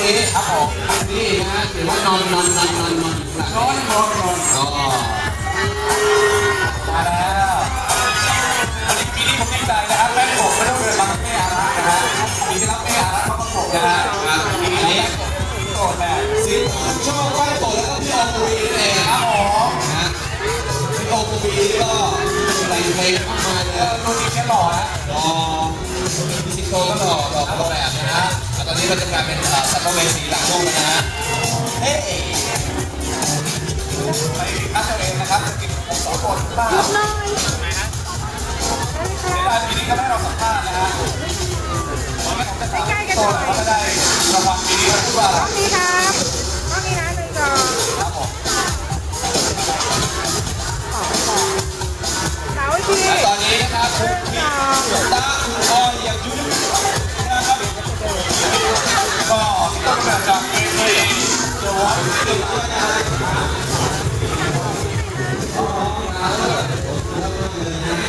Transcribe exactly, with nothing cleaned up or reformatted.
นี้ครับผมนี่นะเห็นว่านอนนอนนอนนอนนอนนอนนอนนอนอ๋อมาแล้วปีนี้ผมดีใจนะครับแม่ผมไม่ต้องเดินมาแม่อารักนะฮะปีนี้รับแม่อารักมาประกบนะฮะปีนี้โสดแม่สิชอบไหว้โสดแล้วก็พี่ออมูวีนั่นเองครับผมนะพี่ออมูวีก็แต่งเพลงมากมายเลยตัวนี้แค่หล่อนะหล่อพี่สิงโตก็หล่อหล่อคนแบบนะฮะตอนนี้เราจะกลายเป็นสัตว์เวสีหลังโลกแล้วนะฮะเฮ้ยไปคัดตัวเองนะครับจะกินผมสองคนบ้างในปีนี้ก็ให้เราสัมภาษณ์นะฮะวันนี้ผมจะถามโซนว่าจะได้รางวัลปีนี้พูดว่าอะไรนี่ครับก็มีนะหนึ่งสองครับผมสาวทีและตอนนี้นะครับคุณพี่ตาคุณออยอย่างยุ่งนะครับก็ต้องแบบจากเอเอเดอะวอล์กติดนะฮะ